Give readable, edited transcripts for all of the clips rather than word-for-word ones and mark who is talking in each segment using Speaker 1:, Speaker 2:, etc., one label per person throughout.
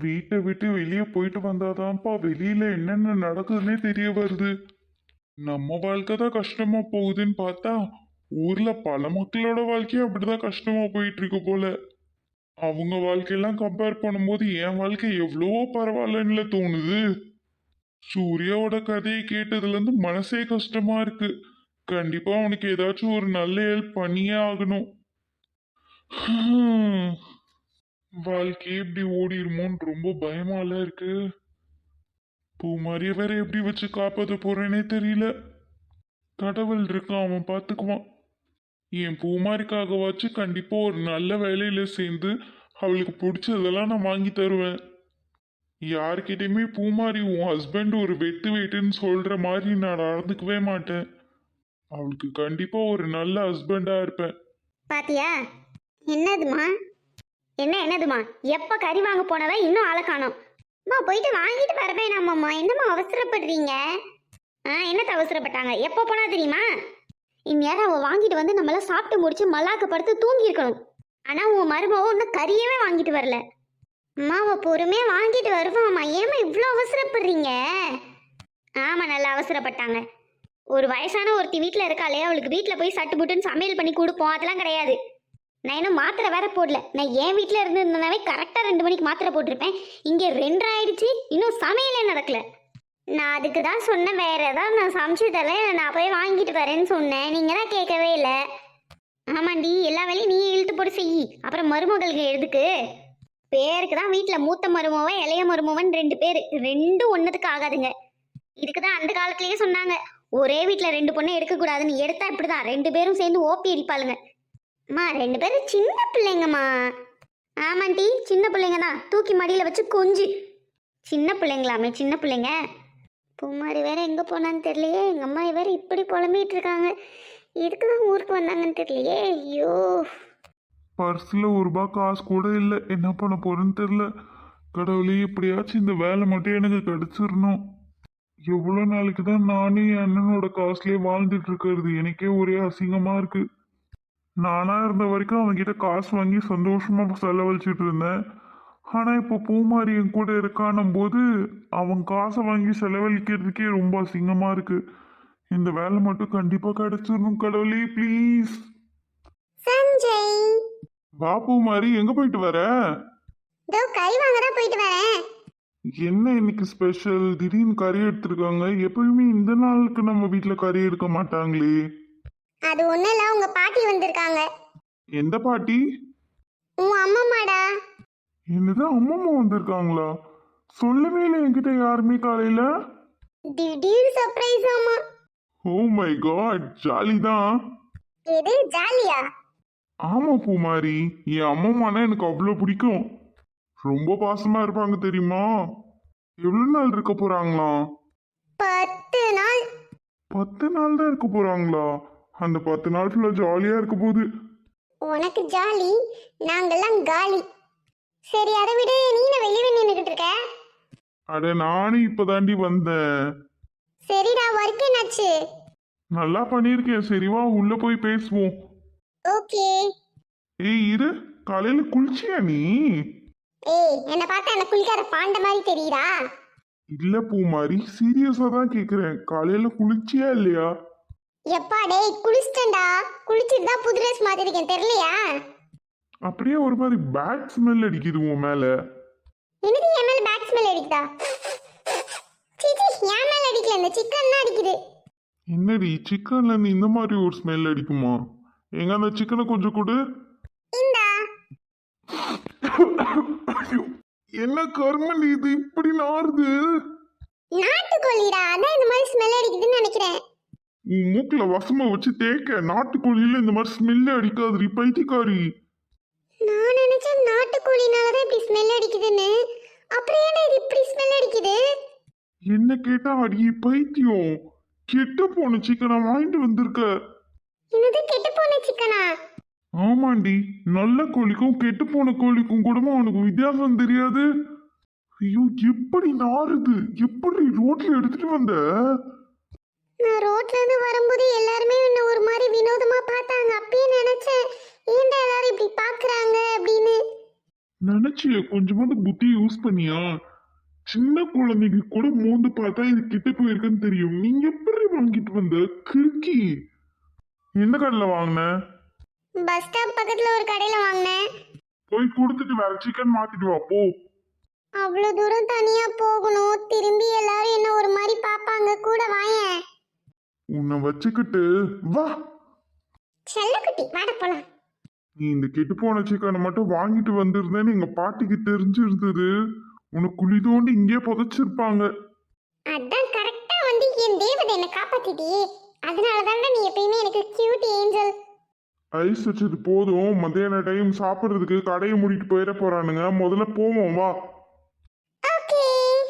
Speaker 1: வீட்டை விட்டு வெளியே போயிட்டு வந்தாதான்ப்பா வெளியில என்னென்ன நடக்குதுன்னே தெரிய வருது. நம்ம வாழ்க்கை தான் கஷ்டமா போகுதுன்னு பார்த்தா ஊர்ல பல மக்களோட வாழ்க்கையும் அப்படிதான் கஷ்டமா போயிட்டு இருக்கு போல. அவங்க வாழ்க்கையெல்லாம் கம்பேர் பண்ணும்போது என் வாழ்க்கை எவ்வளவோ பரவாயில்லன்னு தோணுது. சூர்யாவோட கதையை கேட்டதுல இருந்து மனசே கஷ்டமா இருக்கு. கண்டிப்பா அவனுக்கு ஏதாச்சும் ஒரு நல்ல ஹெல்ப் பண்ணியே ஆகணும். வாழ்க்கையே இப்படி ஓடிடுமோன்னு ரொம்ப பயமால இருக்கு. பூமாரிய வேற எப்படி வச்சு காப்பாத்த போறேனே தெரியல. கடவுள் இருக்கான், அவன் பாத்துக்குவான். என் பூமாரிக்காகவாச்சு கண்டிப்பா ஒரு நல்ல வேலையில சேர்ந்து அவளுக்கு பிடிச்சதெல்லாம் நான் வாங்கி தருவேன். யார்கிட்டயுமே பூமாரி உன் ஹஸ்பண்ட் ஒரு வெட்டு வெட்டுன்னு சொல்ற மாதிரி நான் நடந்துக்கவே மாட்டேன். அவளுக்கு கண்டிப்பா ஒரு நல்ல ஹஸ்பண்டா இருப்பேன்.
Speaker 2: பாத்தியா? என்னதுமா? என்னதுமா? எப்ப கறி வாங்க போனவ இன்னும் ஆளை காணோம். அம்மா போயிட்டு வாங்கிட்டு வரவே நாமம்மா. என்னம்மா அவசரப்படுறீங்க? என்னத்த அவசரப்பட்டாங்க? எப்போ போனா தெரியுமா? இந்நேரம் அவள் வாங்கிட்டு வந்து நம்மளாம் சாப்பிட்டு முடிச்சு மல்லாக்க படுத்து தூங்கி இருக்கணும். ஆனா உன் மருமவ இன்னும் கறியவே வாங்கிட்டு வரல. அம்மா அவள் பொறுமையா வாங்கிட்டு வருவாம்மா. ஏமா இவ்வளோ அவசரப்படுறீங்க? ஆமா, நல்லா அவசரப்பட்டாங்க. ஒரு வயசான ஒருத்தி வீட்டில் இருக்காளே, அவளுக்கு வீட்டில் போய் சட்டு புட்டுன்னு சமையல் பண்ணி கொடுப்போம், அதெல்லாம் கிடையாது. நான் இன்னும் மாத்திரை வேற போடல. நான் என் வீட்டில் இருந்திருந்தனாவே கரெக்டாக 2 மணிக்கு மாத்திரை போட்டிருப்பேன். இங்கே 2 ஆயிடுச்சு, இன்னும் சமையலே நடக்கல. நான் அதுக்கு தான் சொன்னேன், வேற ஏதாவது நான் சமைச்சு தரேன், நான் போய் வாங்கிட்டு வரேன்னு சொன்னேன். நீங்கள் தான் கேட்கவே இல்லை. ஆமாண்டி, எல்லா வேலையும் நீ இழுத்து போட்டு செய். அப்புறம் மருமகளுக்கு எதுக்கு? பேருக்கு தான் வீட்டில் மூத்த மருமவன் இளைய மருமவன் 2 பேர், ரெண்டும் ஒன்றுத்துக்கு ஆகாதுங்க. இதுக்கு தான் அந்த காலத்திலேயே சொன்னாங்க, ஒரே வீட்டில் 2 பொண்ணை எடுக்கக்கூடாதுன்னு. எடுத்தா இப்படிதான் 2 பேரும் சேர்ந்து ஓப்பி அடிப்பாளுங்க. அம்மா 2 பேரும் சின்ன பிள்ளைங்கம்மா. ஆமாண்டி, சின்ன பிள்ளைங்க தான். தூக்கி மடியில் வச்சு கொஞ்சி. சின்ன பிள்ளைங்களாமே, சின்ன பிள்ளைங்க. பூமாரி வேற எங்கே போனான்னு தெரியலையே. எங்கள் அம்மா வேற இப்படி புலம்பிட்டு இருக்காங்க. இதுக்கு தான் ஊருக்கு வந்தாங்கன்னு தெரியலையே. ஐயோ,
Speaker 1: பர்ஸில் ₹1 காசு கூட இல்லை. என்ன பண்ண போறேன்னு தெரியல. கடவுளே, எப்படியாச்சும் இந்த வேலை மட்டும் எனக்கு கிடைச்சிடணும். எவ்வளோ நாளைக்கு தான் நானே என் அண்ணனோட காசுலேயே வாழ்ந்துட்டு இருக்கிறது? எனக்கே ஒரே அசிங்கமா இருக்கு. நானா இருந்த வரைக்கும் அவன்கிட்ட காசு வாங்கி சந்தோஷமா செலவழிச்சிட்டு இருந்தேன். ஆனா இப்போ பூமாரி என் கூட இருக்கானும் போது அவன் காசை வாங்கி செலவழிக்கிறதுக்கே ரொம்ப அசிங்கமா இருக்கு. இந்த வேலை மட்டும் கண்டிப்பா கிடைச்சிடணும். கடவுளே ப்ளீஸ்.
Speaker 2: சஞ்சய்,
Speaker 1: வா பூமாரி, எங்க போயிட்டு வர?
Speaker 2: இதோ கறி வாங்க தான் போயிட்டு வரேன்.
Speaker 1: என்ன இன்னைக்கு ஸ்பெஷல்? திடீர்னு கறி எடுத்திருக்காங்க. எப்பயுமே இந்த நாளுக்கு நம்ம வீட்டுல கறி எடுக்க மாட்டாங்களே.
Speaker 2: அது ஒன்றும் இல்லை, உங்கள் பாட்டி வந்திருக்காங்க.
Speaker 1: எந்த பாட்டி?
Speaker 2: உன் அம்மாமாடா.
Speaker 1: என்னது, அம்மம்மா வந்திருக்காங்களா? சொல்லவே இல்லை என்கிட்ட யாருமே காலையில.
Speaker 2: திடீர் சர்ப்ரைஸ் ஆமா.
Speaker 1: ஓ மை காட், ஜாலி தான்.
Speaker 2: எது ஜாலியா?
Speaker 1: ஆமா பூமாரி, என் அம்மம்மானா எனக்கு அவ்வளோ பிடிக்கும். ரொம்ப பாசமா இருப்பாங்க தெரியுமா? எவ்வளவு நாள் இருக்க போறாங்களாம்?
Speaker 2: 10 நாள்.
Speaker 1: 10 நாள் தான் இருக்க போறாங்களா? அந்த 10 நாள் ஃபுல்லா ஜாலியா இருக்க போகுது.
Speaker 2: உனக்கு ஜாலி, நாங்கெல்லாம் காலி. சரி அதை விட, நீ என்ன வெளியே நின்றுக்கிட்டு இருக்க?
Speaker 1: அட நானும் இப்பதாண்டி வந்தேன்.
Speaker 2: சரிடா, ஒர்க் என்னாச்சு?
Speaker 1: நல்லா பண்ணியிருக்கேன். சரிவா உள்ள போய் பேசுவோம்.
Speaker 2: ஓகே.
Speaker 1: ஏய் இரு, காலையில குளிச்சியா நீ?
Speaker 2: ஏய், என்ன பார்த்தா என்ன குளிக்கார பாண்ட மாதிரி தெரியுதா?
Speaker 1: இல்ல பூமாரி, சீரியஸா தான் கேக்குறேன். காலையில குளிச்சியா இல்லையா?
Speaker 2: எப்பா டேய், குளிச்சிட்டேன்டா. குளிச்சுட்டு தான் புது ட்ரெஸ் மாத்திருக்கேன், தெரியலையா?
Speaker 1: அப்படியே ஒரு மாதிரி பேட் ஸ்மெல் அடிக்குது உன் மேல.
Speaker 2: என்னது என் மேல பேட் ஸ்மெல் அடிக்குதா? சீச்சி, என் மேல அடிக்கல, இந்த சிக்கன் தான் அடிக்குது.
Speaker 1: என்னடி, சிக்கன்ல இருந்து இந்த மாதிரி ஒரு ஸ்மெல் அடிக்குமா? எங்க அந்த சிக்கனை கொஞ்சம் கொடு.
Speaker 2: இந்தா.
Speaker 1: ஐயோ, என்ன கர்மம் இது இப்படி நாறுது?
Speaker 2: நாட்டுக்கோழிடா, அதான் இந்த மாதிரி ஸ்மெல் அடிக்குதுன்னு நினைக்கிறேன்.
Speaker 1: உன் மூக்குல வசமா வச்சு தேக்க. நாட்டுக்கோழியில இந்த மாதிரி ஸ்மெல்லே அடிக்காதுடி பைத்தியக்காரி.
Speaker 2: நான் நினைச்சேன் நாட்டுக்கோழினால தான் இப்படி ஸ்மெல் அடிக்குதுன்னு. அப்புறம் ஏன்னா இது இப்படி ஸ்மெல் அடிக்குது?
Speaker 1: என்ன கேட்டா அடியே பைத்தியம், கெட்டு போன சிக்கனை வாங்கிட்டு வந்திருக்க.
Speaker 2: என்னது கெட்டு போன சிக்கனா?
Speaker 1: ஆமாண்டி, நல்ல கோழிக்கும் கெட்டு போன கோழிக்கும் கூடமா உனக்கு வித்தியாசம் தெரியாது? ஐயோ, எப்படி நாறுது! எப்படி ரோட்ல எடுத்துட்டு வந்த?
Speaker 2: நான் ரோட்ல இருந்து வரும்போது எல்லாருமே என்ன ஒரு மாதிரி வினோதமா பார்த்தாங்க. அப்பயே நினைச்சேன், ஏன்டா எல்லாரும் இப்படி பாக்குறாங்க அப்படின்னு.
Speaker 1: நினைச்சிய கொஞ்சமாவது புத்தி யூஸ் பண்ணியா? சின்ன குழந்தைக்கு கூட மோந்து பார்த்தா இது கிட்ட போயிருக்குன்னு தெரியும். நீங்க எப்படி வாங்கிட்டு வந்த கிறுக்கி? எந்த கடையில வாங்கின?
Speaker 2: பஸ் ஸ்டாப் பக்கத்துல ஒரு கடையில வாங்கினேன்.
Speaker 1: போய் கொடுத்துட்டு வேற சிக்கன் மாத்திட்டு வா போ.
Speaker 2: அவ்வளோ தூரம் தனியா போகணும், திரும்பி எல்லாரும் என்ன ஒரு மாதிரி பார்ப்பாங்க, கூட வாயேன்.
Speaker 1: உன்னை வச்சுக்கிட்டு வா.
Speaker 2: செல்லக்குட்டி வாட போலாம்.
Speaker 1: நீ இந்த கெட்டு போன சிக்கனை மட்டும் வாங்கிட்டு வந்திருந்தேன்னு எங்க பாட்டிக்கு தெரிஞ்சிருந்தது, உனக்கு குழி தோண்டி இங்கே புதைச்சிருப்பாங்க.
Speaker 2: அதான் கரெக்டா வந்து என் தேவதை என்ன காப்பாத்திட்டியே. அதனால தானே நீ எப்பயுமே எனக்கு கியூட் ஏஞ்சல்.
Speaker 1: ஐஸ் வச்சது போதும். மத்தியான டைம் சாப்பிட்றதுக்கு கடையை மூடிட்டு போயிட போறானுங்க. முதல்ல போவோம் வா.
Speaker 2: ஓகே.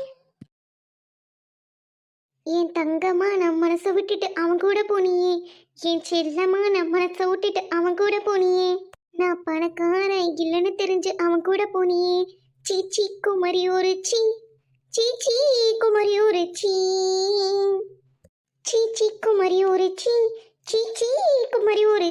Speaker 2: என் தங்கமா நான் மனசை விட்டுட்டு அவன் கூட போனியே. என் செல்லமா நான் மனசை விட்டுட்டு அவன் கூட போனியே. நான் பணக்காரன் இல்லைன்னு தெரிஞ்சு அவன் கூட போனியே. சீச்சி குமரி ஒரு சீச்சி குமரி ஒரு சீச்சி குமரி ஒரு சீச்சி குமரி ஒரு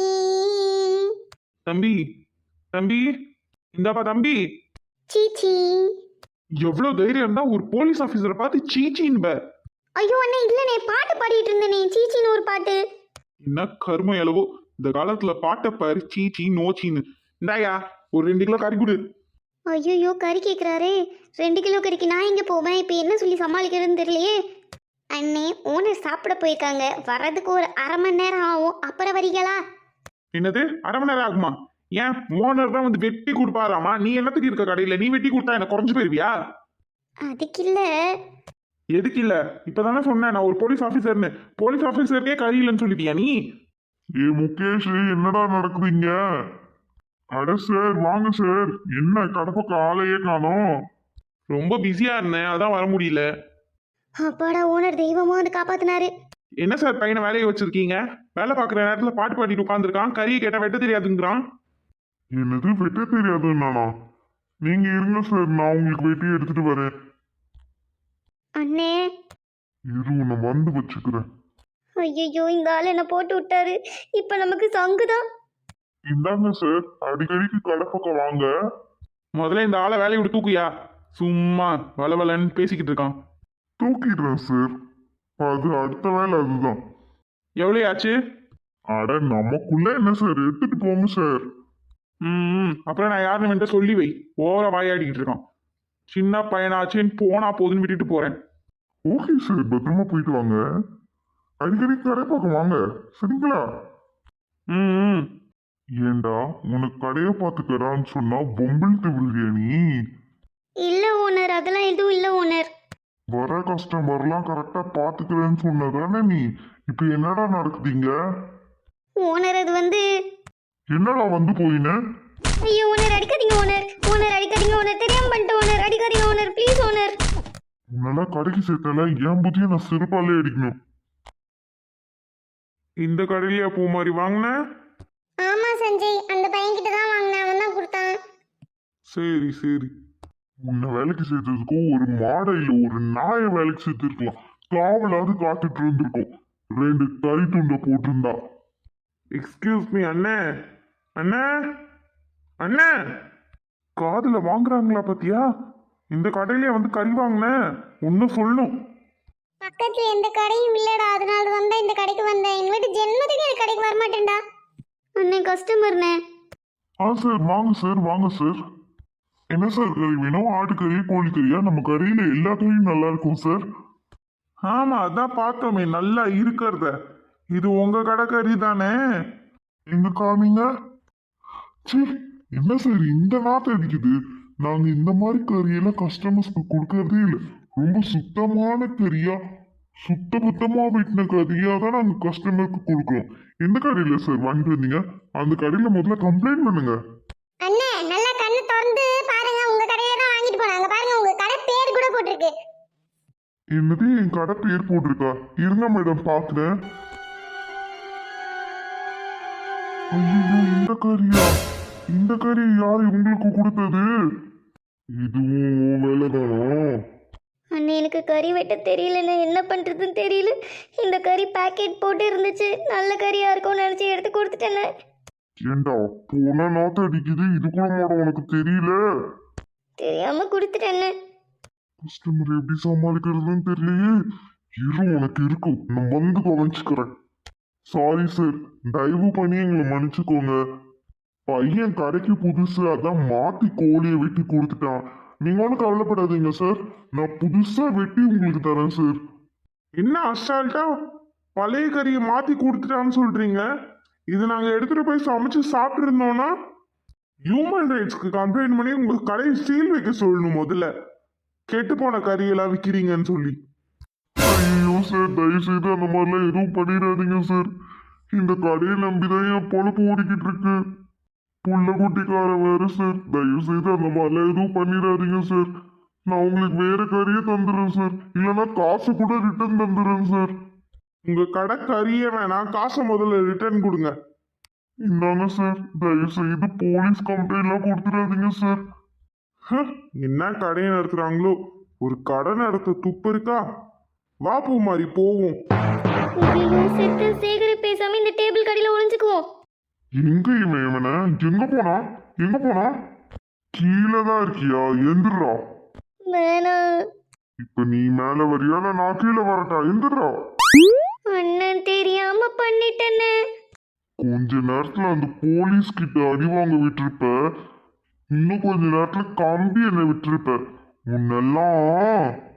Speaker 1: தம்பி தம்பி இந்தாப்பா தம்பி.
Speaker 2: சீச்சி.
Speaker 1: எவ்வளவு தைரியம் இருந்தா ஒரு போலீஸ் ஆபீசரை பார்த்து சீச்சின்ப?
Speaker 2: ஐயோ அண்ணே இல்லனே, பாட்டு பாடிட்டு இருந்தேனே, சீச்சின்னு ஒரு பாட்டு.
Speaker 1: என்ன கரும எளவோ இந்த காலத்துல பாட்டை பாரு, சீச்சி நோச்சின்னு. இந்தாயா ஒரு 2 கிலோ கறி கொடு.
Speaker 2: ஐயோ கறி கேட்குறாரே. 2 கிலோ கறிக்கு நான் எங்கே போவேன்? இப்போ என்ன சொல்லி சமாளிக்கிறதுன்னு தெரியலையே. அண்ணே ஓனர் சாப்பிட போயிருக்காங்க, வர்றதுக்கு ஒரு 1/2 மணி நேரம் ஆகும். அப்புறம் வரீங்களா?
Speaker 1: என்னது 1/2 மணி நேரம் ஆகுமா? ஏன் ஓனர் தான் வந்து வெட்டி கொடுப்பாராமா? நீ என்னத்துக்கு இருக்க கடையில? நீ வெட்டி கொடுத்தா என்ன குறைஞ்சு போயிருவியா?
Speaker 2: அதுக்கு இல்லை.
Speaker 1: எதுக்கு இல்ல? இப்பதானே சொன்னேன் நான் ஒரு போலீஸ் ஆபீசர்னு. போலீஸ் ஆபீசருக்கே கறி இல்லைன்னு சொல்லிட்டியா நீ? ஏ முகேஷ், என்னடா நடக்குதுங்க? அட சார் வாங்க சார். என்ன கடப்பக்கம் ஆளையே காணோம்? ரொம்ப பிஸியா இருந்தேன், அதான் வர முடியல.
Speaker 2: அப்பாடா, ஓனர் தெய்வமா வந்து காப்பாத்தினாரு.
Speaker 1: என்ன சார் பையனை வேலையை வச்சிருக்கீங்க? வேலை பார்க்குற நேரத்தில் பாட்டு பாடிட்டு உட்காந்துருக்கான். கறியை கேட்டால் வெட்ட தெரியாதுங்கிறான். என்னது வெட்ட தெரியாதுன்னானா? நீங்க இருங்க சார், நான் உங்களுக்கு வெட்டி எடுத்துட்டு வரேன்.
Speaker 2: அண்ணே.
Speaker 1: இரு உன்னை வந்து வச்சுக்கிறேன்.
Speaker 2: ஐயோ இந்த ஆள் என்ன போட்டு விட்டாரு. இப்போ நமக்கு சங்குதான்.
Speaker 1: இந்தாங்க சார், அடிக்கடிக்கு கடப்பக்கம் வாங்க. முதல்ல இந்த ஆளை வேலையை விட்டு தூக்குயா. சும்மா வளவலன்னு பேசிக்கிட்டு இருக்கான். தூக்கிடுறேன் சார், அது அடுத்த வேலை அதுதான். எவ்வளோ ஆச்சு? அட நமக்குள்ள என்ன சார், எடுத்துட்டு போங்க சார். அப்புறம் நான் யாருன்னு வேண்டாம் சொல்லி வை. ஓவரா வாயாடிக்கிட்டு இருக்கான். சின்ன பையனாச்சுன்னு போனா போதுன்னு விட்டுட்டு போறேன். ஓகே சார், பத்திரமா போயிட்டு வாங்க. அடிக்கடி கடைப்பக்கம் வாங்க சரிங்களா? ஏண்டா உனக்கு கடையை பார்த்துக்கறான்னு சொன்னா பொம்பிள்ட்டு பிரியாணி?
Speaker 2: இல்லை ஓனர், அதெல்லாம் எதுவும் இல்லை ஓனர்.
Speaker 1: வர கஸ்டமர்லாம் கரெக்டா பாத்துக்கிறேன்னு சொன்னதானே நீ? இப்ப என்னடா நடக்குதுங்க?
Speaker 2: ஓனர் அது வந்து.
Speaker 1: என்னடா வந்து போயின?
Speaker 2: ஐயோ ஓனர் அடிக்காதீங்க ஓனர். ஓனர் அடிக்காதீங்க ஓனர், தெரியாம பண்ணிட்டேன் ஓனர். அடிக்காதீங்க ஓனர், ப்ளீஸ் ஓனர்.
Speaker 1: உன்னெல்லாம் கடைக்கு சேர்த்தால என் புத்தியை நான் சிறப்பாலே அடிக்கணும். இந்த கடையிலயா பூ மாதிரி வாங்கின?
Speaker 2: ஆமா சஞ்சய், அந்த பையன்கிட்ட தான் வாங்கினேன், அவன் தான் கொடுத்தான்.
Speaker 1: சரி சரி. உன்னை வேலைக்கு சேர்த்ததுக்கு ஒரு மாடையில ஒரு நாயை வேலைக்கு சேர்த்துருக்கலாம். காவலாவது காத்துட்டு இருந்திருக்கும். 2 கறி துண்டை போட்டிருந்தா. எக்ஸ்கியூஸ் மீ அண்ணே. அண்ணே அண்ணே, காதுல வாங்குறாங்களா பத்தியா? இந்த கடையிலே வந்து கறி வாங்கினேன். ஒன்னும் சொல்லணும்.
Speaker 2: பக்கத்துல எந்த கடையும் இல்லடா, அதனால வந்தா இந்த கடைக்கு வந்தேன். எங்க வீட்டு ஜென்மத்துக்கு இந்த கடைக்கு வர மாட்டேன்டா. அண்ணே கஸ்டமர்னே.
Speaker 1: சார் வாங்க சார், வாங்க சார். என்ன சார் கறி வேணும்? ஆட்டுக்கறி கோழிக்கறியா? நம்ம கறியில எல்லா கறியும் நல்லா இருக்கும் சார். ஆமா அதான் பார்த்தோமே நல்லா இருக்கிறத. இது உங்க கடை கறி தானே? எங்க காமிங்க. சீ, என்ன சார் இந்த நாட்டை அடிக்குது? நாங்க இந்த மாதிரி கறியெல்லாம் கஸ்டமர்ஸ்க்கு கொடுக்கறதே இல்லை. ரொம்ப சுத்தமான கறியா, சுத்தபத்தமா வெட்டின கறியா தான் நாங்க கஸ்டமருக்கு கொடுக்குறோம். எந்த கடையில சார் வாங்கிட்டு வந்தீங்க? அந்த கடையில முதல்ல கம்ப்ளைண்ட் பண்ணுங்க.
Speaker 2: அண்ணே நல்லா கண்ணு திறந்து பாருங்க, உங்க கடையில தான் வாங்கிட்டு போனாங்க. பாருங்க உங்க கடை பேர் கூட போட்டிருக்கு.
Speaker 1: என்னது என் கடை பேர் போட்டிருக்கா? இருங்க மேடம் பாக்குறேன். ஐயோ இந்த கறியா? இந்த கறி யார் உங்களுக்கு கொடுத்தது? இதுவும் வேலைதானா?
Speaker 2: அண்ணே எனக்கு கறி வெட்ட தெரியலண்ணே, என்ன பண்ணுறதுன்னு தெரியல. இந்த கறி பேக்கெட் போட்டு இருந்துச்சு, நல்ல கறியாக இருக்கும்னு நினச்சி எடுத்து கொடுத்துட்டேண்ணே.
Speaker 1: ஏண்டா போன நாத்த அடிக்குது, இது கூட மாட உனக்கு தெரியல?
Speaker 2: தெரியாம கொடுத்துட்டேன்னு.
Speaker 1: கஸ்டமர் எப்படி சமாளிக்கிறதுன்னு தெரியலையே. இரு, உனக்கு இருக்கும், நான் வந்து கவனிச்சுக்கிறேன். சாரி சார், தயவு பண்ணி எங்களை மன்னிச்சுக்கோங்க. பையன் கடைக்கு புதுசு, அதான் மாத்தி கோழியை வெட்டி கொடுத்துட்டான். நீங்க ஒன்றும் கவலைப்படாதீங்க சார், நான் புதுசா வெட்டி உங்களுக்கு தரேன் சார். என்ன அசால்ட்டா பழைய கறியை மாத்தி கொடுத்துட்டான்னு சொல்றீங்க? இது நாங்க எடுத்துட்டு போய் சமைச்சு சாப்பிட்டு இருந்தோம்னா ஹியூமன் ரைட்ஸ்க்கு கம்ப்ளைண்ட் பண்ணி உங்க கடையை சீல் வைக்க சொல்லணும். முதல்ல கெட்டு போன கறியெல்லாம் விற்கிறீங்கன்னு சொல்லி. ஐயோ சார், தயவு செய்து அந்த மாதிரிலாம் எதுவும் பண்ணிடாதீங்க சார். இந்த கடையை நம்பிதான் என் பொழப்பு ஓடிக்கிட்டு இருக்கு. புள்ள குட்டிக்காரன் வேற சார். தயவு செய்து அந்த மாதிரிலாம் எதுவும் பண்ணிடாதீங்க சார். நான் உங்களுக்கு வேற கறியை தந்துடுறேன் சார், இல்லைன்னா காசு கூட ரிட்டர்ன் தந்துடுறேன் சார். உங்க கடை கறியே வேணாம், காசை முதல்ல ரிட்டர்ன் கொடுங்க. இந்தாங்க சார், தயவு செய்து போலீஸ் கம்ப்ளைண்ட்லாம் கொடுத்துடாதீங்க சார். என்ன கடையை நடத்துறாங்களோ, ஒரு கடை நடத்த துப்பு இருக்கா? வா பூமாரி போவோம்.
Speaker 2: ஐயோ, செத்து சேகரை பேசாம இந்த டேபிள் கடையில ஒளிஞ்சுக்குவோம்.
Speaker 1: எங்க இவன் இவனை? எங்க போனா? எங்க போனா? கீழே தான் இருக்கியா? எந்திரா.
Speaker 2: வேணாம்.
Speaker 1: இப்ப நீ மேல வரியா இல்ல நான் கீழே வரட்டா? எந்திரா.
Speaker 2: அண்ணன் தெரியாம பண்ணிட்டேன்னு.
Speaker 1: கொஞ்ச நேரத்துல அந்த போலீஸ் கிட்ட அடி வாங்க விட்டுருப்ப, இன்னும் கொஞ்ச நேரத்துல கம்பி என்ன விட்டுருப்ப. உன்னெல்லாம்